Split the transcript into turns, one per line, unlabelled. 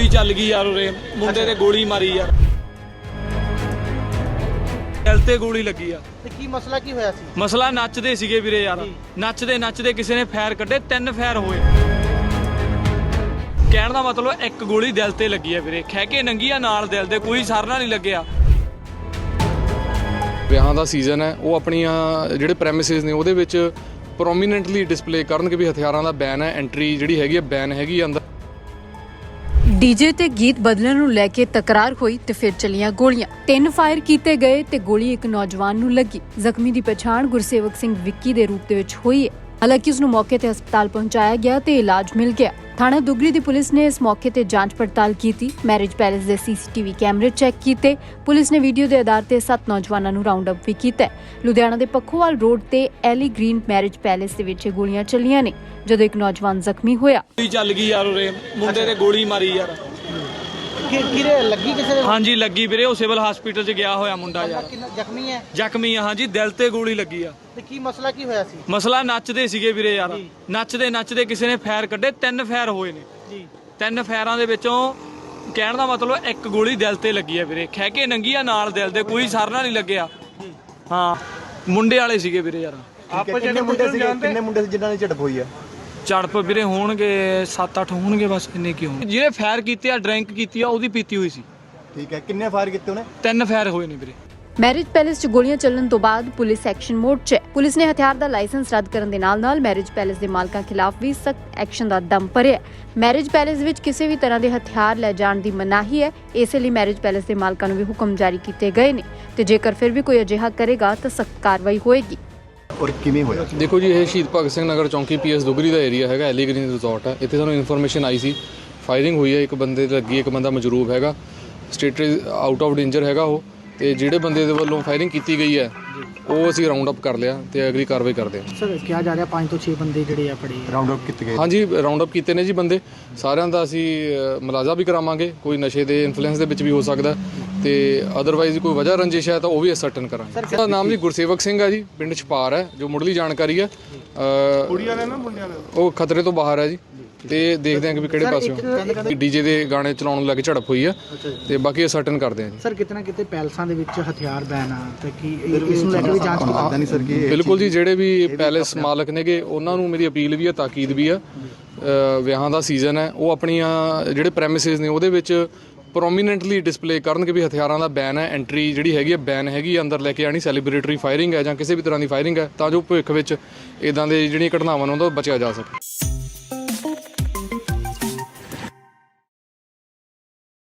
ਗੋਲੀ ਚੱਲ ਗਈ ਯਾਰ ਉਰੇ ਮੁੰਡੇ ਤੇ ਗੋਲੀ ਮਾਰੀ ਯਾਰ ਦਿਲ ਤੇ ਗੋਲੀ ਲੱਗੀ ਆ
ਤੇ ਕੀ ਮਸਲਾ ਕੀ ਹੋਇਆ ਸੀ?
ਮਸਲਾ ਨੱਚਦੇ ਸੀਗੇ ਵੀਰੇ ਯਾਰ ਨੱਚਦੇ ਕਿਸੇ ਨੇ ਫਾਇਰ ਕੱਢੇ 3 ਫਾਇਰ ਹੋਏ ਕਹਿਣ ਦਾ ਮਤਲਬ ਇੱਕ ਗੋਲੀ ਦਿਲ ਤੇ ਲੱਗੀ ਆ ਵੀਰੇ ਖਹਿ ਕੇ ਨੰਗੀ ਆ ਨਾਲ ਦਿਲ ਦੇ ਕੋਈ ਸਰਨਾ ਨਹੀਂ ਲੱਗਿਆ।
ਵਿਆਹਾਂ ਦਾ ਸੀਜ਼ਨ ਹੈ ਉਹ ਆਪਣੀਆਂ ਜਿਹੜੇ ਪ੍ਰੈਮਿਸਿਸ ਨੇ ਉਹਦੇ ਵਿੱਚ ਪ੍ਰੋਮੀਨੈਂਟਲੀ ਡਿਸਪਲੇ ਕਰਨ ਕਿ ਵੀ ਹਥਿਆਰਾਂ ਦਾ ਬੈਨ ਹੈ ਐਂਟਰੀ ਜਿਹੜੀ ਹੈਗੀ ਹੈ ਬੈਨ ਹੈਗੀ ਅੰਦਰ।
ਡੀਜੇ ਤੇ ਗੀਤ ਬਦਲਣ ਨੂੰ ਲੈ ਕੇ ਤਕਰਾਰ ਹੋਈ ਤੇ ਫਿਰ ਚੱਲੀਆਂ ਗੋਲੀਆਂ 3 ਫਾਇਰ ਕੀਤੇ ਗਏ ਤੇ ਗੋਲੀ ਇੱਕ ਨੌਜਵਾਨ ਨੂੰ ਲੱਗੀ। ਜ਼ਖਮੀ ਦੀ ਪਛਾਣ ਗੁਰਸੇਵਕ ਸਿੰਘ ਵਿੱਕੀ ਦੇ ਰੂਪ ਦੇ ਵਿੱਚ ਹੋਈ ਹੈ। ਹਾਲਾਂਕਿ ਉਸ ਨੂੰ ਮੌਕੇ ਤੇ ਹਸਪਤਾਲ ਪਹੁੰਚਾਇਆ ਗਿਆ ਤੇ ਇਲਾਜ ਮਿਲ ਗਿਆ। ਥਾਣਾ ਦੁਗਰੀ ਦੀ ਪੁਲਿਸ ਨੇ ਇਸ ਮੌਕੇ ਤੇ ਜਾਂਚ ਪੜਤਾਲ ਕੀਤੀ। ਮੈਰਿਜ ਪੈਲੇਸ ਦੇ ਸੀਸੀਟੀਵੀ ਕੈਮਰੇ ਚੈੱਕ ਕੀਤੇ। ਪੁਲਿਸ ਨੇ ਵੀਡੀਓ ਦੇ ਆਧਾਰ ਤੇ 7 ਨੌਜਵਾਨਾਂ ਨੂੰ ਰਾਉਂਡ ਅਪ ਵੀ ਕੀਤਾ। ਲੁਧਿਆਣਾ ਦੇ ਪੱਖੋਵਾਲ ਰੋਡ ਤੇ ਐਲੀ ਗ੍ਰੀਨ ਮੈਰਿਜ ਪੈਲੇਸ ਦੇ ਵਿੱਚ ਗੋਲੀਆਂ ਚੱਲੀਆਂ ਨੇ ਜਦੋਂ ਇੱਕ ਨੌਜਵਾਨ ਜ਼ਖਮੀ ਹੋਇਆ।
ਗੋਲੀ ਚੱਲ ਗਈ ਯਾਰ ਉਰੇ ਮੁੰਡੇ ਤੇ ਗੋਲੀ ਮਾਰੀ ਯਾਰ
ਕਿਹਦੇ ਲੱਗੀ ਕਿਸੇ ਦੇ?
ਹਾਂਜੀ ਲੱਗੀ ਵੀਰੇ ਉਹ ਸਿਵਲ ਹਸਪੀਟਲ 'ਚ ਗਿਆ ਹੋਇਆ ਮੁੰਡਾ ਯਾਰ
ਕਿੰਨਾ ਜ਼ਖਮੀ ਹੈ?
ਜ਼ਖਮੀ ਆ ਹਾਂਜੀ ਦਿਲ ਤੇ ਗੋਲੀ ਲੱਗੀ ਆ।
ਤੇ ਕੀ ਮਸਲਾ ਕੀ ਹੋਇਆ ਸੀ?
ਮਸਲਾ ਨੱਚਦੇ ਸੀਗੇ ਵੀਰੇ ਯਾਰ ਨੱਚਦੇ ਕਿਸੇ ਨੇ ਫਾਇਰ ਕੱਢੇ 3 ਫਾਇਰ ਹੋਏ ਨੇ
ਜੀ
3 ਫਾਇਰਾਂ ਦੇ ਵਿੱਚੋਂ ਕਹਿਣ ਦਾ ਮਤਲਬ ਇੱਕ ਗੋਲੀ ਦਿਲ ਤੇ ਲੱਗੀ ਆ ਵੀਰੇ ਖਹਿ ਕੇ ਨੰਗੀ ਆ ਨਾਲ ਦਿਲ ਦੇ ਕੋਈ ਸਰਨਾ ਨਹੀਂ ਲੱਗਿਆ। ਹਾਂ ਮੁੰਡੇ ਵਾਲੇ ਸੀਗੇ ਵੀਰੇ ਯਾਰ
ਕਿੰਨੇ ਮੁੰਡੇ ਸੀ ਜਿਨ੍ਹਾਂ ਨੇ ਝੜਪ ਹੋਈ ਆ?
ਝੜਪ ਵੀਰੇ ਹੋਣਗੇ 7-8 ਹੋਣਗੇ ਬਸ ਇੰਨੇ ਕੀ ਹੋਣ ਜਿਹਨੇ ਫਾਇਰ ਕੀਤੇ ਆ ਡਰਿੰਕ ਕੀਤੀ ਆ ਉਹਦੀ ਪੀਤੀ ਹੋਈ ਸੀ।
ਠੀਕ ਹੈ ਕਿੰਨੇ ਫਾਇਰ ਕੀਤੇ ਉਹਨੇ?
3 ਫਾਇਰ ਹੋਏ ਨੇ ਵੀਰੇ।
ਮੈਰਿਜ ਪੈਲੇਸ 'ਚ ਗੋਲੀਆਂ ਚੱਲਣ ਤੋਂ ਬਾਅਦ ਪੁਲਿਸ ਐਕਸ਼ਨ ਮੋਡ 'ਚ ਹੈ। ਪੁਲਿਸ ਨੇ ਹਥਿਆਰ ਦਾ ਲਾਇਸੈਂਸ ਰੱਦ ਕਰਨ ਦੇ ਨਾਲ-ਨਾਲ ਮੈਰਿਜ ਪੈਲੇਸ ਦੇ ਮਾਲਕਾਂ ਖਿਲਾਫ ਵੀ ਸਖਤ ਐਕਸ਼ਨ ਦਾ ਦਮ ਭਰਿਆ। ਮੈਰਿਜ ਪੈਲੇਸ ਵਿੱਚ ਕਿਸੇ ਵੀ ਤਰ੍ਹਾਂ ਦੇ ਹਥਿਆਰ ਲੈ ਜਾਣ ਦੀ ਮਨਾਹੀ ਹੈ। ਇਸੇ ਲਈ ਮੈਰਿਜ ਪੈਲੇਸ ਦੇ ਮਾਲਕਾਂ ਨੂੰ ਵੀ ਹੁਕਮ ਜਾਰੀ ਕੀਤੇ ਗਏ ਨੇ ਤੇ ਜੇਕਰ ਫਿਰ ਵੀ ਕੋਈ ਅਜਿਹਾ ਕਰੇਗਾ ਤਾਂ ਸਖਤ ਕਾਰਵਾਈ ਹੋਏਗੀ।
ਔਰ ਕਿਵੇਂ ਹੋਇਆ?
ਦੇਖੋ ਜੀ ਇਹ ਸ਼ਹੀਦ ਭਗਤ ਸਿੰਘ ਨਗਰ ਚੌਂਕੀ ਪੀਐਸ ਦੁਗਰੀ ਦਾ ਏਰੀਆ ਹੈਗਾ ਐਲੀ ਗ੍ਰੀਨ ਰਿਜ਼ੋਰਟ ਹੈ। ਇੱਥੇ ਸਾਨੂੰ ਇਨਫੋਰਮੇਸ਼ਨ ਆਈ ਸੀ ਫਾਇਰਿੰਗ ਹੋਈ ਹੈ ਇੱਕ ਬੰਦੇ ਤੇ ਲੱਗੀ ਇੱਕ ਬੰਦਾ ਮਜਰੂਬ ਹੈਗਾ ਸਟੇਟਸ ਆਊਟ ਆਫ ਡੇਂਜਰ ਹੈਗਾ ਉਹ ਤੇ ਜਿਹੜੇ ਬੰਦੇ ਦੇ ਵੱਲੋਂ ਫਾਇਰਿੰਗ ਕੀਤੀ ਗਈ ਹੈ ਉਹ ਅਸੀਂ ਰਾਉਂਡ ਅਪ ਕਰ ਲਿਆ ਤੇ ਅਗਲੀ ਕਾਰਵਾਈ ਕਰਦੇ ਹਾਂ।
ਸਰ ਕਿਹਾ ਜਾ ਰਿਹਾ 5 ਤੋਂ 6 ਬੰਦੇ ਜਿਹੜੇ ਆ ਫੜੇ ਰਾਉਂਡ ਅਪ ਕੀਤੇ ਗਏ?
ਹਾਂਜੀ ਰਾਉਂਡ ਅਪ ਕੀਤੇ ਨੇ ਜੀ ਬੰਦੇ ਸਾਰਿਆਂ ਦਾ ਅਸੀਂ ਮੁਲਾਜ਼ਾ ਵੀ ਕਰਾਵਾਂਗੇ ਕੋਈ ਨਸ਼ੇ ਦੇ ਇਨਫਲੂਐਂਸ ਦੇ ਵਿੱਚ ਵੀ ਹੋ ਸਕਦਾ ਤੇ ਅਦਰਵਾਈਜ਼ ਕੋਈ ਵਜ੍ਹਾ ਰੰਜਿਸ਼ ਹੈ ਤਾਂ ਉਹ ਵੀ ਅਸਰਟਨ ਕਰਾਂਗੇ। ਉਹਦਾ ਨਾਮ ਜੀ ਗੁਰਸੇਵਕ ਸਿੰਘ ਹੈ ਜੀ ਪਿੰਡ ਛਪਾਰ ਹੈ ਜੋ ਮੁੱਢਲੀ ਜਾਣਕਾਰੀ ਹੈ ਉਹ ਖਤਰੇ ਤੋਂ ਬਾਹਰ ਹੈ ਜੀ ਤੇ ਦੇਖਦੇ ਹਾਂ ਕਿ ਵੀ ਕਿਹੜੇ ਪਾਸਿਓਂ ਡੀਜੇ ਦੇ ਗਾਣੇ ਚਲਾਉਣ ਨੂੰ ਲੈ ਕੇ ਝੜਪ ਹੋਈ ਆ ਤੇ ਬਾਕੀ ਅਸਰਟਨ ਕਰਦੇ ਹਾਂ ਜੀ।
ਸਰ ਕਿਤੇ ਨਾ ਕਿਤੇ ਪੈਲਸਾਂ ਦੇ ਵਿੱਚ ਹਥਿਆਰ ਬੈਨ ਆ ਤੇ ਕੀ ਇਸ ਨੂੰ ਲੈ ਕੇ ਵੀ ਜਾਂਚ ਕਰਦਾ ਨਹੀਂ ਸਰ? ਕੀ
ਬਿਲਕੁਲ ਜੀ ਜਿਹੜੇ ਵੀ ਪੈਲੇਸ ਮਾਲਕ ਨੇਗੇ ਉਹਨਾਂ ਨੂੰ ਮੇਰੀ ਅਪੀਲ ਵੀ ਹੈ ਤਾਕੀਦ ਵੀ ਆ ਵਿਆਹਾਂ ਦਾ ਸੀਜ਼ਨ ਹੈ ਉਹ ਆਪਣੀਆਂ ਜਿਹੜੇ ਪ੍ਰੈਮਿਸਿਸ ਨੇ ਉਹਦੇ ਵਿੱਚ ਪ੍ਰੋਮੀਨੈਂਟਲੀ ਡਿਸਪਲੇ ਕਰਨ ਕਿ ਵੀ ਹਥਿਆਰਾਂ ਦਾ ਬੈਨ ਹੈ ਐਂਟਰੀ ਜਿਹੜੀ ਹੈਗੀ ਹੈ ਬੈਨ ਹੈਗੀ ਅੰਦਰ ਲੈ ਕੇ ਆਣੀ ਸੈਲੀਬ੍ਰੇਟਰੀ ਫਾਇਰਿੰਗ ਹੈ ਜਾਂ ਕਿਸੇ ਵੀ ਤਰ੍ਹਾਂ ਦੀ ਫਾਇਰਿੰਗ ਹੈ ਤਾਂ ਜੋ ਭਵਿੱਖ ਵਿੱਚ ਇਦਾਂ ਦੇ ਜਿਹੜੀਆਂ ਘਟਨਾਵਾਂ ਨੂੰ ਤੋਂ ਬਚਿਆ ਜਾ ਸਕੇ।